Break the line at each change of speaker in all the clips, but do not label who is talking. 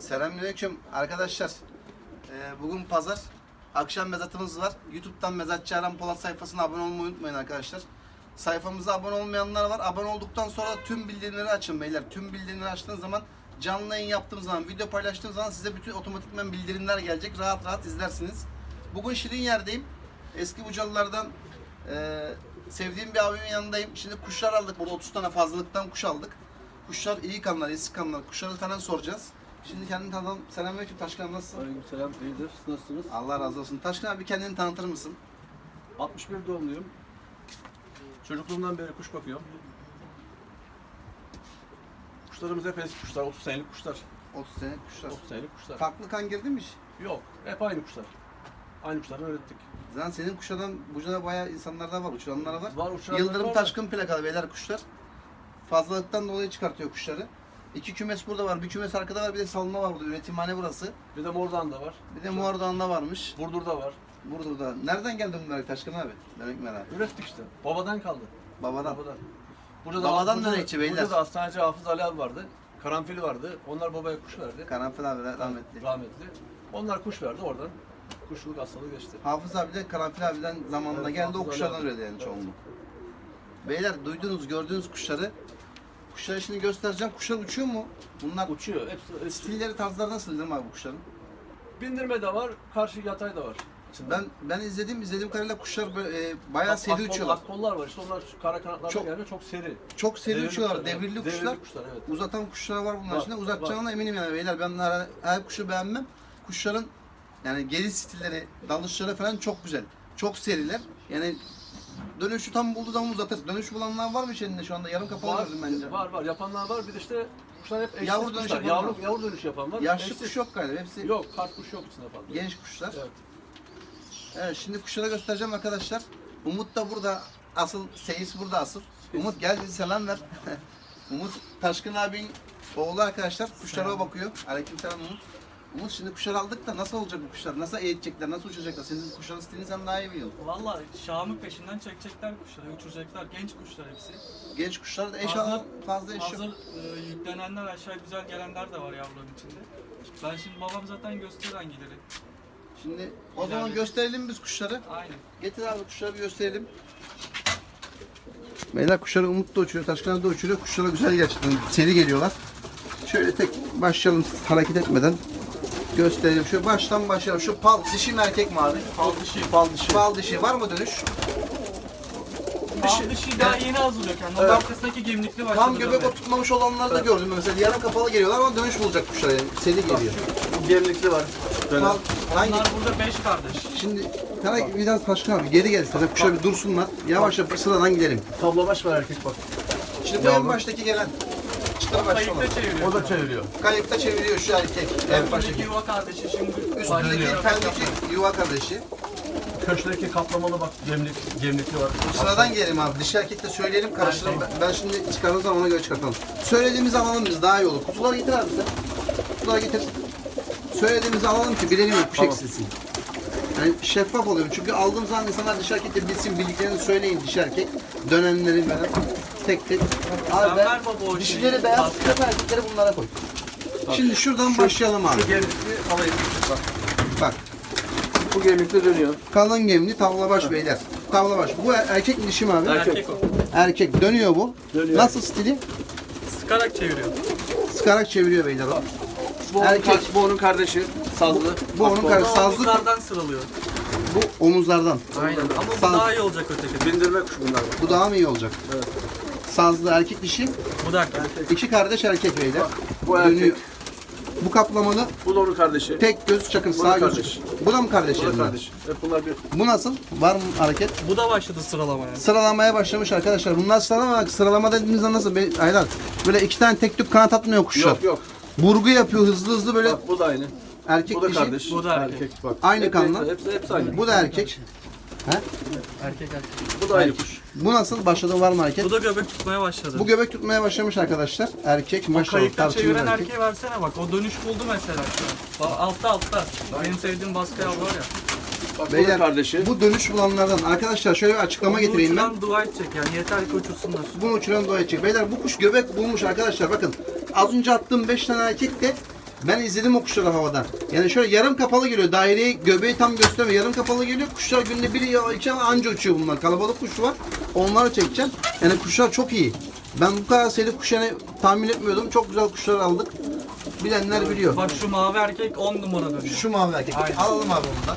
Selamünaleyküm arkadaşlar. Bugün pazar. Akşam mezatımız var. YouTube'dan Mezatçı Erhan Polat sayfasına abone olmayı unutmayın arkadaşlar. Sayfamıza abone olmayanlar var. Abone olduktan sonra tüm bildirimleri açın beyler. Tüm bildirimleri açtığınız zaman, canlı yayın yaptığım zaman, video paylaştığım zaman size bütün otomatikman bildirimler gelecek. Rahat rahat izlersiniz. Bugün Şirinyer'deyim. Eski Bucalılardan sevdiğim bir abimin yanındayım. Şimdi kuşlar aldık. Burada 30 tane fazlalıktan kuş aldık. Kuşlar iyi kanlar, eski kanlar. Kuşları falan soracağız. Şimdi kendini tanıtalım. Selamünaleyküm Taşkın, nasılsın?
Aleykümselam, iyidir. Nasılsınız?
Allah razı olsun. Taşkın abi, kendini tanıtır mısın?
61 doğumluyum. Çocukluğumdan beri kuş bakıyorum. Kuşlarımız hep eski kuşlar, 30 senelik kuşlar.
30 senelik kuşlar.
30 senelik kuşlar.
Farklı kan girdi mi hiç?
Yok, hep aynı kuşlar. Aynı kuşlardan öğrettik.
Zaten senin kuşlardan Buca'da bayağı insanlar da var, uçuranlar var.
Var, uçuranlar
Yıldırım
var.
Taşkın plakalı beyler kuşlar. Fazlalıktan dolayı çıkartıyor kuşları. 2 kümes burada var, bir kümes arkada var, bir de salma var burada. Üretimhane burası.
Bir de Mordan da var.
Bir de Muardağ'ında varmış.
Burdur'da var.
Burada. Nereden geldin bunlar Taşkın abi? Demek merak.
Ürettik işte. Babadan kaldı.
Babadan.
Burada
Babadan nereye içi beyler?
Burada da hastaneci Hafız Ali abi vardı. Karanfili vardı. Onlar babaya kuş verdi.
Karanfil abi rahmetli.
Rahmetli. Onlar kuş verdi oradan. Kuşluluk hastalığı geçti.
Hafız abi de Karanfil abiden zamanında
Evet,
geldi, o
Hafız
kuşlardan
Ali abi.
üredi yani
Evet.
çoğunluk. Beyler duydunuz, gördüğünüz kuşları. Kuşları şimdi göstereceğim. Kuşlar uçuyor mu? Bunlar
Uçuyor. Hepsi
stilleri, tarzları nasıl değil mi abi bu kuşların?
bindirme de var, karşı yatay da var.
Ben izlediğim kadarıyla kuşlar böyle, bayağı seri uçuyorlar.
Kollar var işte, onlar şu kara kanatlardan
Çok-
gelme çok seri.
Çok seri
Devirli
uçuyorlar,
kuşlar, evet.
devirli kuşlar.
Devirli kuşlar, evet.
Uzatan kuşlar var bunlar
Var,
içinde. Uzatacağına eminim yani beyler. Ben her kuşu beğenmem. Kuşların yani geliş stilleri, dalışları falan çok güzel. Çok seriler. Yani dönüşü tam bulduğu zaman uzatır. Dönüş bulanlar var mı içinde şu anda? Yarım kapalı
Var,
gördüm bence.
var. Yapanlar var. Bir de işte kuşlar hep eşsiz
Yavru dönüş
kuşlar.
yapan var.
Yavru dönüş yapan var.
Yaşlı
Eşsiz.
kuş yok galiba. Hepsi
Yok, kart kuş yok içinde fazla.
genç kuşlar.
Evet.
Evet, şimdi kuşlara göstereceğim arkadaşlar. Umut da burada. Asıl seyis burada asıl. Umut gel bizi selam ver. Umut Taşkın abinin oğlu arkadaşlar. Kuşlara o bakıyor. Aleykümselam Umut. Umut, şimdi kuşlar aldık da nasıl olacak bu kuşlar? Nasıl eğitecekler? Nasıl uçacaklar? Senin kuşların stilini sen daha iyi biliyorsun.
Valla Şam'ın peşinden çekecekler kuşları, uçuracaklar. Genç kuşlar hepsi.
Genç kuşlar da eş
Hazır-
alan fazla eş yok.
Hazır yüklenenler, aşağı güzel gelenler de var yavruların içinde. Ben şimdi babam zaten gösterir hangileri.
Şimdi o zaman gösterelim biz kuşları.
Aynen.
Getir abi, kuşları bir gösterelim. Beyler, kuşları Umut da uçuruyor, Taşkın abi de uçuruyor. Kuşlara güzel gerçekten seri geliyorlar. Şöyle tek başlayalım hareket etmeden. Gösterelim. Şöyle baştan başlayalım. Şu pal dişi mi erkek mi abi?
Fal dişi.
Pal dişi. Var mı dönüş?
Fal dişi daha yeni hazırlıyor kendini. Onun arkasındaki gemlikli başladı.
Tam göbek oturtmamış olanları da gördüm. Mesela yarım kapalı geliyorlar ama dönüş bulacak kuşlar yani. Seri geliyor.
Gemlikli var.
Pal, hangi?
Onlar burada 5 kardeş.
Şimdi sana biraz Taşkın abi geri gel. Sana kuşlar bir dursunlar. Yavaş yavaş sıradan gidelim.
Tablobaş var erkek bak.
Şimdi bu en baştaki gelen çıtır başlı olan.
Kayıkta çeviriyor.
O da çeviriyor.
Kayıkta çeviriyor şu erkek. En
Üstündeki
baştaki.
yuva kardeşi şimdi
Üstündeki
başlıyor.
pendeki yuva kardeşi.
Köşkteki kaplamalı bak gemlikli var.
Sıradan gelelim abi. Dişi erkek de söyleyelim, karıştıralım. Ben şimdi çıkardığım zaman ona göre çıkartalım. Söylediğimizi alalım biz, daha iyi olur. Kutuları getir abi sen. Kutuları getir. Söylediğimizi alalım ki bilelim kuş
Tamam.
eksilsin. Yani şeffaf oluyor. Çünkü aldığım zaman insanlar dişi erkek de bilsin, bildiklerini söyleyin dişi erkek. Dönenleri falan tek tek. Abi
ver baba o
dişileri
şeyi.
beyaz tutup erkekleri bunlara koy. Şimdi şuradan başlayalım abi.
Şu gemlikli alayım. Bak.
Bak.
Bu gemlikli dönüyor.
Kalın gemli tavlabaş beyler. Tavlabaş. Bu erkek mi dişi mi abi?
Erkek o.
Erkek. Dönüyor bu.
Dönüyor.
Nasıl stili?
Sıkarak çeviriyor.
Sıkarak çeviriyor beyler o.
Bu
Erkek.
bu onun kardeşi. Sazlı.
Bu onun kardeşi. Sazlı
Omuzlardan sıralıyor.
bu omuzlardan.
Aynen. Ama
Saz-
bu daha iyi olacak öteki.
Bindirme kuşu bunlar.
Bu daha mı iyi olacak?
Evet.
Sazlı erkek dişi.
Bu da erkek.
İki kardeş erkek beyler.
Bu erkek.
Bu kaplamalı
Bu da onun kardeşi.
tek göz çakır
Bu da
sağ göz.
kardeş.
Bu da mı kardeşi?
Bu da
bunlar?
kardeş. Hep bunlar bir.
Bu nasıl? Var mı hareket?
Bu da başladı sıralamaya.
Sıralamaya başlamış arkadaşlar. Bunlar sıralama dediğimizde nasıl? Aylar. Böyle iki tane tek tük kanat atmıyor kuşlar.
Yok yok.
Burgu yapıyor hızlı hızlı böyle
Bak bu da aynı.
erkek
Bu da
dişi.
kardeş.
Bu da erkek.
Bak.
Aynı
Hep-
kanlı.
Hepsi aynı.
Bu da erkek. He?
Erkek.
Bu da aynı kuş.
Bu nasıl? Başladı, var mı hareket?
Bu da göbek tutmaya başladı.
Bu göbek tutmaya başlamış arkadaşlar. Erkek maşallah
Kayıkta
tarçınlı
çeviren
erkek.
erkeğe versene bak. O dönüş buldu mesela şu an. Altta. Benim sevdiğim baskı yavru var ya.
Bak bu da
Beyler,
kardeşi.
bu dönüş bulanlardan arkadaşlar şöyle bir açıklama getireyim ben.
Uçuran dua edecek yani. Yeter ki uçursunlar.
Bunu uçuran doğa edecek. Beyler, bu kuş göbek bulmuş arkadaşlar, bakın. Az önce attığım 5 tane erkek de Ben izledim o kuşları havadan. Yani şöyle yarım kapalı geliyor. Daireyi, göbeği tam göstermiyor. Yarım kapalı geliyor. Kuşlar günde biri ya iki anca uçuyor bunlar. Kalabalık kuş var. Onları çekeceğim. Yani kuşlar çok iyi. Ben bu kadar sayılı kuş yani tahmin etmiyordum. Çok güzel kuşlar aldık. Bilenler biliyor.
Bak şu mavi erkek 10 numara dönüyor.
Şu mavi erkek.
Aynen.
Alalım abi onu da.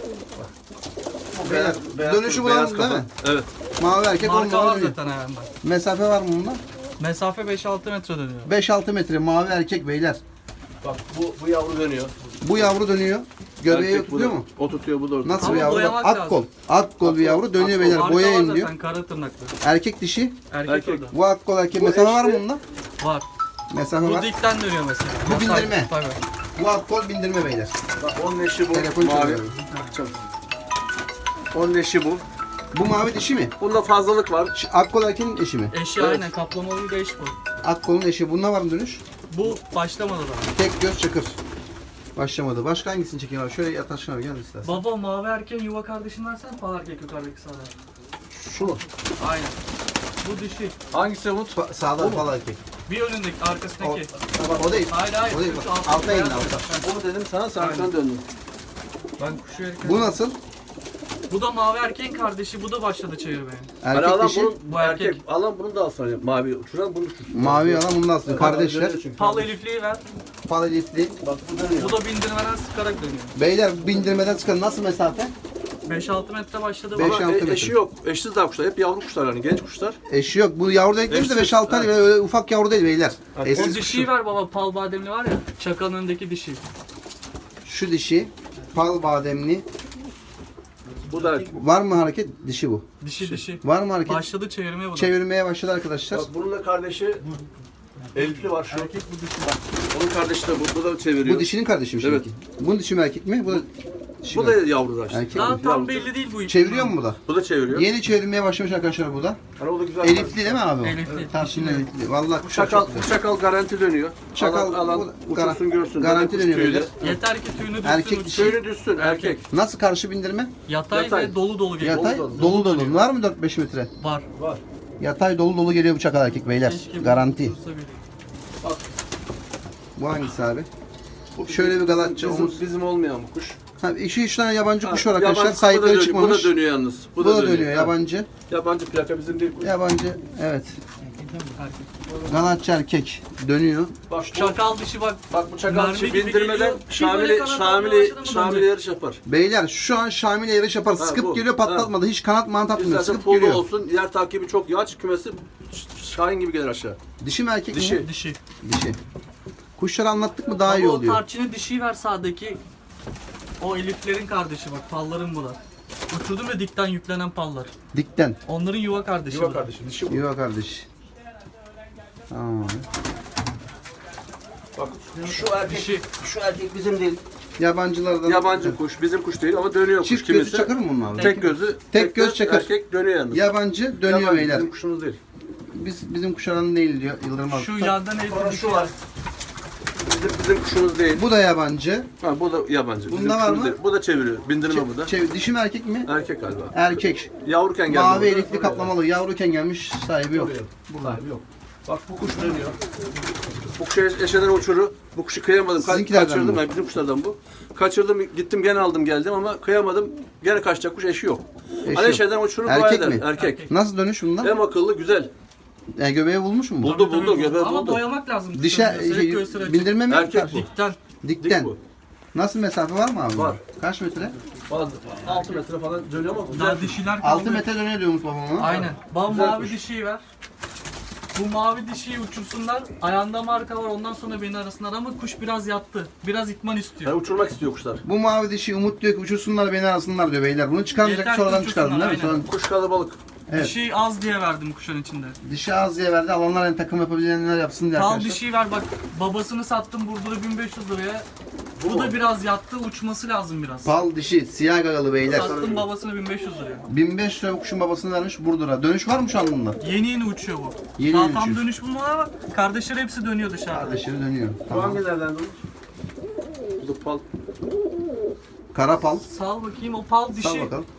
Beyaz- beyaz
Dönüşü
kuş, beyaz
bulalım değil
kafa.
mi?
Evet.
Mavi erkek
Marka
onunla
var
dönüyor.
zaten ayağında.
Mesafe var mı bunda?
Mesafe 5-6 metre dönüyor.
5-6 metre mavi erkek beyler.
Bak bu yavru dönüyor.
Bu yavru dönüyor. Göbeği
Erkek bu
tutuyor
da-
mu?
O tutuyor, bu da orada.
Nasıl
Ama
bir yavru?
boyamak
Bak, ak kol.
lazım.
Ak kol bir yavru dönüyor beyler.
Marka
Boya
var
inliyor.
zaten kara tırnaklı.
Erkek dişi.
Erkek,
Erkek.
o da.
Bu ak kol erkek.
Bu
Mesafe var mı
eşli.
bunda?
Var.
Mesafe
Bu
var.
dikten dönüyor mesela.
Bu
Yatay,
bindirme.
Tabii.
Bu ak kol bindirme beyler.
Bak onun eşi bu.
Telefon
mavi.
çalıyor.
Çabuk. Onun eşi bu.
Bu mavi dişi mi?
Bunda fazlalık var.
Ak kol erkeğin eşi mi?
Eşi
Evet.
aynen kaplamalı bir eş bu.
Ak kolun eşi. Bunda var mı dönüş?
Bu başlamadı da.
Tek göz çakır. Başlamadı. Başka hangisini çekeyim abi? Şöyle yat aşağı gel istersen.
Baba mavi erkeğin yuva kardeşini versen pal erkek yukarıdaki sağda.
Şu mu?
Aynen. Bu dişi.
Hangisi Umut?
Sağda fal erkek.
Bir önündeki
O,
arkasındaki.
o değil.
Hayır hayır.
O değil.
Şu
Bak,
altta
alta indi
beyaz
alta.
var.
Onu dedim sana, sen arkadan döndün.
Ben kuşu yerken...
Bu nasıl?
Bu da mavi erkeğin kardeşi. Bu da başladı çevirmeye.
Hani
Erkek
alan
dişi.
bunu,
Bu erkek.
Alan bunu da alsana. Mavi uçuran bunu uçursun.
Mavi alan bundan aslında. Kardeşler.
Pal elifliği ver.
Fal elifli.
Bak bu dönüyor.
Bu da bindirmeden sıkarak dönüyor.
Beyler bindirmeden çıkan nasıl mesafe?
5-6 metre başladı.
Beş-
Baba.
Ama
5-6 metre.
eşi yok. Eşsiz daha kuşlar. Hep yavru kuşlar hani, genç kuşlar.
Eşi yok. Bu yavru da eklemiş de
Eşsiz,
5-6 ay öyle ufak yavru değil beyler.
Bak,
O
Eşsiz
dişiyi
kuşu.
ver baba. Pal bademli var ya. Çakanın önündeki dişi.
Şu dişi. Pal bademli.
Bu da
Var mı hareket? Dişi bu.
Dişi.
Var mı hareket?
Başladı çevirmeye bu da.
Çevirmeye başladı arkadaşlar.
bak, bunun da kardeşi Elifli var şu.
Erkek bu dişi.
Onun kardeşi de bu da çeviriyor.
Bu dişinin kardeşi mi
Evet.
şimdiki? Bunun dişi mi erkek mi? Bu da dişi
Bu
mi?
da yavru da işte.
Erkek
Daha
mi?
tam
Yavru.
belli değil bu.
Çeviriyor mu bu da?
Bu da çeviriyor.
Yeni çevirmeye başlamış arkadaşlar bu da.
Hani o da güzel.
Elifli değil mi abi o?
Elifli.
Tarçınlı elifli. Vallahi
Bu
kuşlar
çakal,
çok
bu
güzel.
çakal garanti dönüyor.
Çakal
alan
bu-
uçursun görsün.
garanti
Kuş
dönüyor
tüyü de.
beyler.
Yeter ki tüyünü düşsün.
Erkek
uçsun.
dişi.
Tüyünü düşsün erkek.
Nasıl karşı bindirme?
Yatay,
Yatay.
ve dolu dolu geliyor.
Yatay
dolu.
dolu dolu. Var mı 4-5 metre?
Var.
Var.
Yatay dolu dolu geliyor bu çakal erkek beyler.
Keşke bu
Garanti.
dursa bile.
Bu hangisi abi?
Bu
Şöyle bir galatçı omuz.
bizim olmayan bu kuş.
Ha, 2-3 tane yabancı kuş var
Ha,
arkadaşlar.
yabancı,
Sahipleri
bu da dönüyor,
çıkmamış.
Bu da dönüyor yalnız.
Bu da dönüyor
Ha.
yabancı.
Yabancı plaka bizim değil kuş.
Yabancı evet. Galatçı erkek dönüyor.
Bak bu,
Çakal dişi bak.
bak bu çakal
Mermi
dişi
gibi
bindirmeden
geliyor. Bir böyle kanat almaya başladı mı
Şamil'e
dönecek?
yarış yapar.
Beyler şu an Şamil'e yarış yapar.
Ha,
Sıkıp
bu.
geliyor patlatmadı. Hiç kanat manat atmıyor.
İstersen
Sıkıp
pullu
geliyor.
olsun, yer takibi çok yaç kümesi Şahin gibi gelir aşağı.
Dişi mi erkek mi?
Dişi.
Dişi.
Dişi. Kuşları anlattık mı daha
Ama
iyi
o
oluyor.
tarçını dişiyi ver sağdaki. O eliflerin kardeşi bak. Palların bu da. Uçurdum ve dikten yüklenen pallar.
Dikten.
Onların yuva kardeşi
Yuva
bu da.
kardeşi, dişi bu.
Yuva kardeş. Tamam.
Bak şu erkek,
Dişi.
şu erkek bizim değil.
Yabancılardan.
Yabancı kuş, bizim kuş değil ama dönüyor kuş
Çift gözü
kimisi.
çakır mı bunlar?
Tek gözü,
Tek göz çakır.
Erkek dönüyor yalnız.
Yabancı dönüyor
Yabancı,
beyler.
bizim kuşumuz değil.
Bizim kuşların değil diyor Yıldırım
Şu
Altıntop.
yandan elifli
Sonra
dişi
şu var. Bizim kuşumuz değil.
Bu da yabancı.
Ha, bu da yabancı.
Bunda
Bizim
var
kuşumuz
mı?
değil. Bu da çeviriyor. Bindirme bu da.
Dişi mi erkek mi?
Erkek galiba.
Erkek.
Yavruken geldi.
Mavi
burada.
elifli kaplamalı. Yavruken gelmiş sahibi yok.
Sahibi yok. Bak bu kuş dönüyor. Bu kuşu eşeden uçuru. Bu kuşu kıyamadım.
Sizinkilerden
Kaçırdım.
mi?
Yani bizim kuşlardan bu. Kaçırdım, gittim gene aldım geldim ama kıyamadım. Gene kaçacak kuş, eşi yok.
Eşi
Hani
yok.
eşeden uçuru dua
Erkek
eder.
mi?
Erkek.
Nasıl dönüş bundan?
Hem akıllı, güzel.
Yani göbeği bulmuş mu bu?
Buldu buldu, göbeği
Ama
buldu.
boyamak lazım.
Dişe
Göğsüne göğsüne açık.
bindirme mi?
Erkek
Karşı?
bu.
Dikten.
Dikten.
Dik bu.
Nasıl mesafe var mı abi?
Var.
Kaç metre?
Bazı 6 metre falan dönüyor ama güzel.
Daha dişiler kaldı.
6 metre dönüyor diyormuş babama.
Aynen. Bana
Güzel
mavi
kuş.
dişiyi ver. Bu mavi dişiyi uçursunlar. Ayağında marka var. Ondan sonra beni arasınlar ama kuş biraz yattı. Biraz itman istiyor.
Yani uçurmak istiyor kuşlar.
Bu mavi dişi Umut diyor ki uçursunlar beni arasınlar diyor beyler. Bunu çıkarmayacak
Yeter ki
sonradan çıkardın değil mi?
uçursunlar,
Sonra
Kuş kalabalık.
Evet.
Dişi az diye verdim kuşun içinde.
dişi az diye verdi. Alanlar yani takım yapabilenler yapsın diye
Kal
arkadaşlar.
dişiyi ver bak. Babasını sattım Burdur'a 1500 liraya.
Bu
Bu da
mu?
biraz yattı. Uçması lazım biraz.
Pal dişi siyah gagalı beyler.
Sattım babasını 1500 liraya.
1500 lira bu kuşun babasını vermiş Burdur'a. Dönüş var mı şu an bunda?
Yeni yeni uçuyor bu.
Yeni
Daha
yeni
tam
uçuyor.
dönüş bulmadı ama kardeşleri hepsi dönüyor dışarıda.
Kardeşleri dönüyor.
Bu
Tamam.
hangilerden bu? Bu da pal.
Kara pal.
Sal bakayım o pal dişi.
Sal bakalım.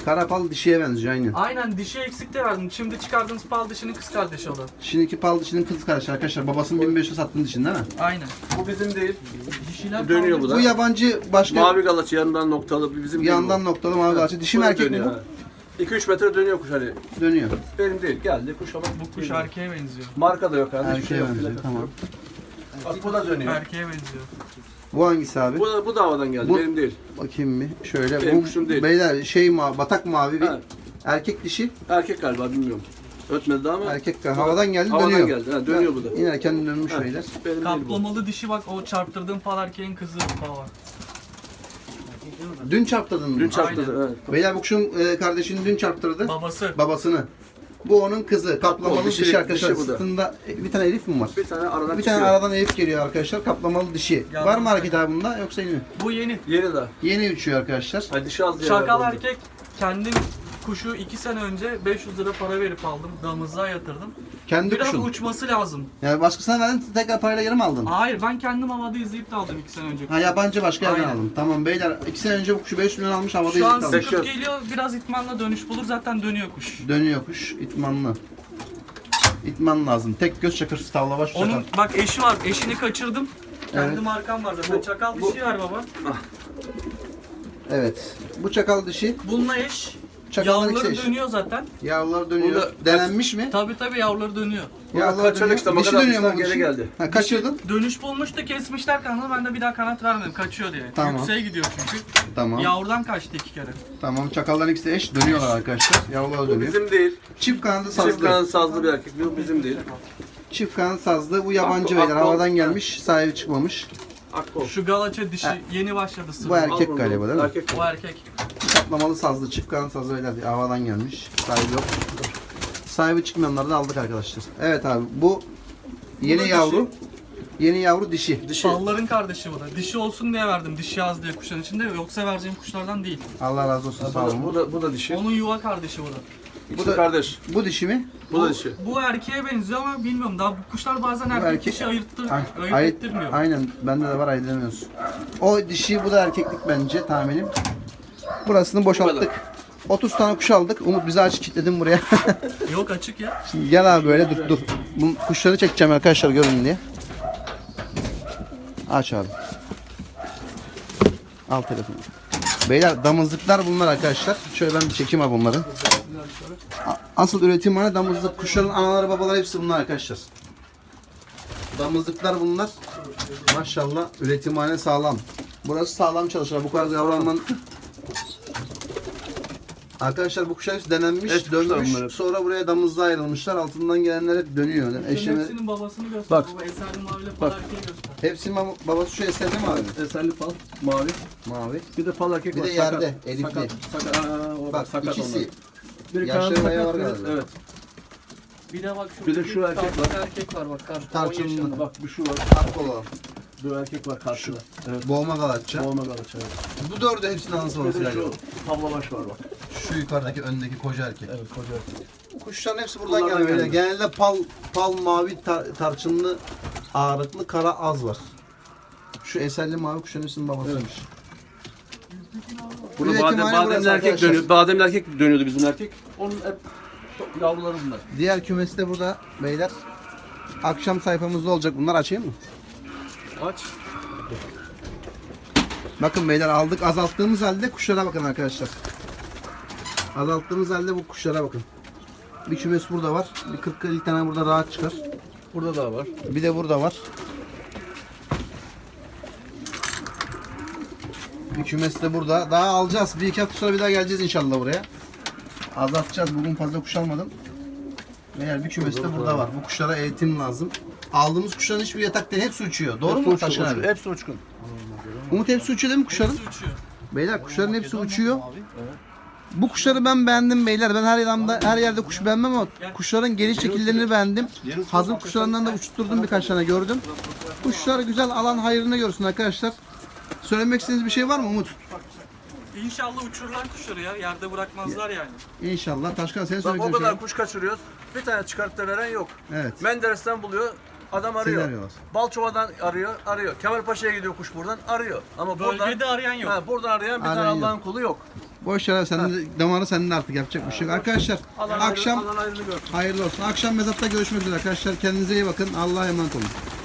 Karapal dişiye benziyor aynen.
Aynen dişi eksikte verdim. Şimdi çıkardığınız pal dişinin kız kardeşi o da.
Şimdiki pal dişinin kız kardeşi arkadaşlar. Babasının 1500 sattığın dişin değil mi?
Aynen.
Bu bizim değil.
Dişiler
Dönüyor
kaldı.
bu da.
Bu yabancı başka
Mavi galaç yanından noktalı bir bizim değil
yandan
bu.
noktalı mavi galaçı. Dişi mi
Böyle
erkek mi
dönüyor,
bu?
ha. 2-3 metre dönüyor kuş hani.
Dönüyor.
Benim değil. Geldi kuş ama
Bu kuş erkeğe benziyor.
marka da yok hani. hiçbir
Erkeğe
şey yok,
benziyor.
plakası
Tamam.
yok. Bak bu da dönüyor.
Erkeğe benziyor.
Bu hangisi abi?
Bu da havadan geldi.
Bu-
Benim değil.
Bakayım bir. Şöyle.
Benim
Bu
kuşum değil.
beyler şey mavi, batak mavi bir
Ha.
erkek dişi.
Erkek galiba bilmiyorum. Ötmedi daha ama.
Erkek havadan geldi
Havadan
dönüyor.
geldi, ha, dönüyor bu da.
İnerken dönmüş
Ha,
beyler.
Benim değil bu.
Kaplamalı dişi bak o çarptırdığım pal erkeğin kızı falan.
Dün çarptırdın mı?
Dün çarptı. Evet.
Beyler bu kuşun kardeşini dün çarptırdı.
Babası.
Babasını. Bu onun kızı. Kaplamalı
dişi-
dişi arkadaşlar.
dişi bu da.
Sırtında bir tane elif mi var?
Bir tane aradan
Bir tane
çıkıyor.
aradan elif geliyor arkadaşlar. Kaplamalı dişi.
Yalnız
Var mı hareket abi bunda yoksa yeni mi?
Bu yeni.
Yeni daha.
Yeni uçuyor arkadaşlar.
Hadi dişi az diye
Şakal
verdim.
erkek kendim kuşu 2 sene önce 500 lira para verip aldım. Damızlığa yatırdım.
Kendi
Biraz
kuşun.
uçması lazım.
Yani başkasına verdin tekrar parayla yarım aldın.
Hayır ben kendim havada izleyip de aldım 2 sene önce.
Ha yabancı başka yerden
Aynen.
aldım. Tamam beyler 2 sene önce bu kuşu 5 milyon almış havada
Şu an
izlik almış.
sıkıp geliyor biraz itmanla dönüş bulur zaten dönüyor kuş.
Dönüyor kuş itmanlı. İtman lazım. Tek göz çakırsız tavla baş
Onun
çakal.
bak eşi var eşini kaçırdım. Kendi
Evet.
markam var zaten. Çakal dişi var baba.
Evet. Bu çakal dişi.
Bununla eş.
Çakallar
Yavruları
ikisi eş.
dönüyor zaten.
Yavrular dönüyor.
Burada-
Denenmiş mi?
Tabi yavruları dönüyor.
Burada kaçırdık işte,
Dişi
makara
dönüyor mu
atmışlar,
bu
geri
dişi?
geldi.
Ha, kaçırdın.
Dönüş bulmuştu kesmişler kanalı ben de bir daha kanat vermedim kaçıyor diye.
Tamam.
Yükseğe gidiyor çünkü.
Tamam.
Yavrudan kaçtı 2 kere.
Tamam. Çakalların ikisi eş dönüyorlar arkadaşlar. Yavrular
Bu
dönüyor.
bizim değil.
Çift kanadı
Çift
sazlı.
kanat sazlı bir erkek. Bu bizim değil.
Çift kanat sazlı. Bu yabancı
Akkol-
beyler. Havadan
akkol-
gelmiş. Sahibi çıkmamış.
Akkol.
Şu galaça dişi yeni başladı sırrı.
Bu erkek
Al bunu.
galiba değil mi?
Erkek.
O erkek.
Kaplamalı sazlı. Çift kanat sazlı beyler. Havadan gelmiş. Sahibi yok. Sahibi çıkmayanları da aldık arkadaşlar. Evet abi bu yeni
da
yavru. Yeni yavru dişi.
Dişi.
Balların kardeşi bu da. Dişi olsun diye verdim. Dişi az diye kuşların içinde. Yoksa vereceğim kuşlardan değil.
Allah razı olsun sağ olun.
Bu da dişi.
Onun yuva kardeşi bu da.
Bu
da-
da kardeş.
Bu dişi mi?
Bu da dişi.
Bu erkeğe benziyor ama bilmiyorum. Daha bu kuşlar bazen erkek
erkek-
dişi ayırt
Ayırt,
ettirmiyor.
aynen bende de var ayırt edemiyorsun. O dişi bu da erkeklik bence tahminim. Burasını boşalttık. 30 tane kuş aldık. Umut bizi aç kilitledim buraya.
Yok açık ya.
Şimdi gel abi böyle dur. Bu kuşları çekeceğim arkadaşlar görün diye. Aç abi. Al telefonu. Beyler damızlıklar bunlar arkadaşlar. Şöyle ben bir çekeyim abi bunları. Asıl üretimhane damızlık. Kuşların anaları babaları hepsi bunlar arkadaşlar. Damızlıklar bunlar. Maşallah üretimhane sağlam. Burası sağlam çalışır. Bu kadar yavru alman... Arkadaşlar bu kuşlar hepsi denenmiş,
Eski kuşlar
dönmüş.
bunlar hep.
Sonra buraya damızlığa ayrılmışlar. Altından gelenler hep dönüyor. Yani
Şunun
eşleme...
hepsinin babasını göster.
Bak.
Baba Eserli maviyle pal erkeği göster.
Hepsinin babası şu eserli mi abi?
Eserli pal. Mavi.
Mavi.
Bir de pal erkek
Bir
var.
de yerde,
Sakat.
elifli.
Sakat. O
Bak
sakat
ikisi.
onlar. Biri
Yaşları
kanadı
bayağı
sakat.
var
biri-
galiba.
Evet.
Bir de bak
Bir de şu erkek var.
erkek var bak. 10
Tarçınlı.
yaşında.
Bak bir şu var.
Farklı olan.
Bu erkek var karşıda. Evet.
Boğma galatça.
Olma galaç evet.
Bu dördü hepsinin anası
Bir
babası
de
galiba.
şu tablabaş var bak.
Şu yukarıdaki öndeki koca erkek.
Evet koca erkek.
Bu kuşların hepsi buradan
Bunlardan
geliyor.
geldi.
Genelde pal mavi tarçınlı ağırlıklı kara az var. Şu eserli mavi kuşların hepsinin babasıymış.
Burada
Üretimhane
bademli
burası
erkek
arkadaşlar.
dönüyor. Bademli erkek dönüyordu bizim erkek. Onun hep yavruları bunlar.
Diğer kümesi de burada beyler. Akşam sayfamızda olacak. Bunlar açayım mı?
Aç.
Bakın beyler aldık. Azalttığımız halde kuşlara bakın arkadaşlar. Azalttığımız halde bu kuşlara bakın. Bir kümes burada var. Bir 40-50 tane burada rahat çıkar.
Burada da var.
Bir de burada var. Bir kümes de burada. Daha alacağız. Bir iki hafta sonra bir daha geleceğiz inşallah buraya. Azaltacağız. Bugün fazla kuş almadım. Eğer bir kümes de burada var. Bu kuşlara eğitim lazım. Aldığımız kuşların hiçbir yatak değil. Hepsi uçuyor. Doğru mu Taşkın abi?
Hepsi uçkun.
Umut hepsi uçuyor değil mi kuşların?
Hepsi uçuyor.
Beyler kuşların hepsi uçuyor. Bu kuşları ben beğendim beyler. Ben her yerde kuş beğenmem ama kuşların geliş şekillerini beğendim. Hazır kuşlarından da uçturdum birkaç tane gördüm. Kuşlar güzel alan hayrını görsün arkadaşlar. Söylemek istediğiniz bir şey var mı Umut?
İnşallah uçururlar kuşları ya. Yerde bırakmazlar yani.
İnşallah. Taşkan senin
Bak
söyleyeceğin
o
şey.
kadar kuş kaçırıyoruz. Bir tane çıkartıp da veren yok.
Evet.
Menderes'ten buluyor. Adam
Seni
arıyor.
arıyorlar.
Balçova'dan arıyor. Kemalpaşa'ya gidiyor kuş buradan arıyor. Ama
Bölgede arayan yok.
Buradan arayan bir tane
Arayan yok.
Allah'ın kulu yok.
Boş ver, sen de damarı senin artık, yapacak bir şey yok. Arkadaşlar akşam
Alan ayrını görsün.
hayırlı olsun. Akşam mezatta görüşmek üzere arkadaşlar. Kendinize iyi bakın. Allah'a emanet olun.